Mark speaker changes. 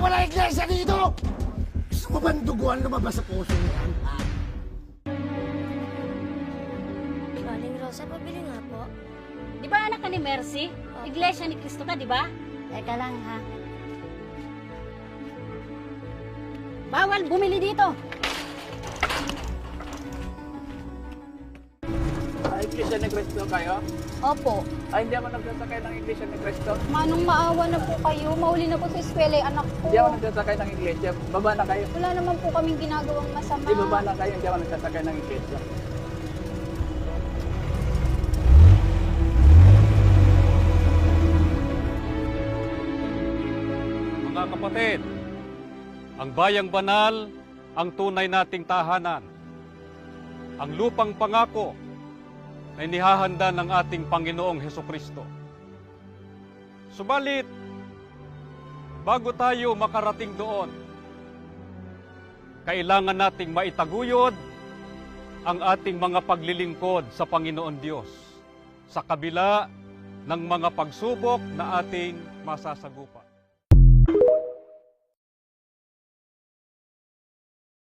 Speaker 1: Wala iglesia dito! Gusto mo ba duguan lumabas sa puso mo yan? Ha?
Speaker 2: Aling Rosa, pabili nga po.
Speaker 3: Di ba anak ka ni Mercy? Iglesia ni Cristo ka, di ba?
Speaker 2: Teka lang ha.
Speaker 3: Bawal bumili dito.
Speaker 4: Iglesia ni Cristo kayo?
Speaker 5: Opo.
Speaker 4: Ay, hindi ako nagsasakay ng Iglesia ni Cristo.
Speaker 5: Manong maawa na po kayo. Mauli na po sa eskwela yung anak ko.
Speaker 4: Hindi ako nagsasakay ng Iglesia. Baba na kayo.
Speaker 5: Wala naman po kaming ginagawang masama.
Speaker 4: Di baba na kayo, hindi ako nagsasakay ng Iglesia.
Speaker 6: Mga kapatid, ang bayang banal ang tunay nating tahanan. Ang lupang pangako ay nihahanda ng ating Panginoong Hesukristo. Subalit, bago tayo makarating doon, kailangan nating maitaguyod ang ating mga paglilingkod sa Panginoon Diyos sa kabila ng mga pagsubok na ating masasagupan.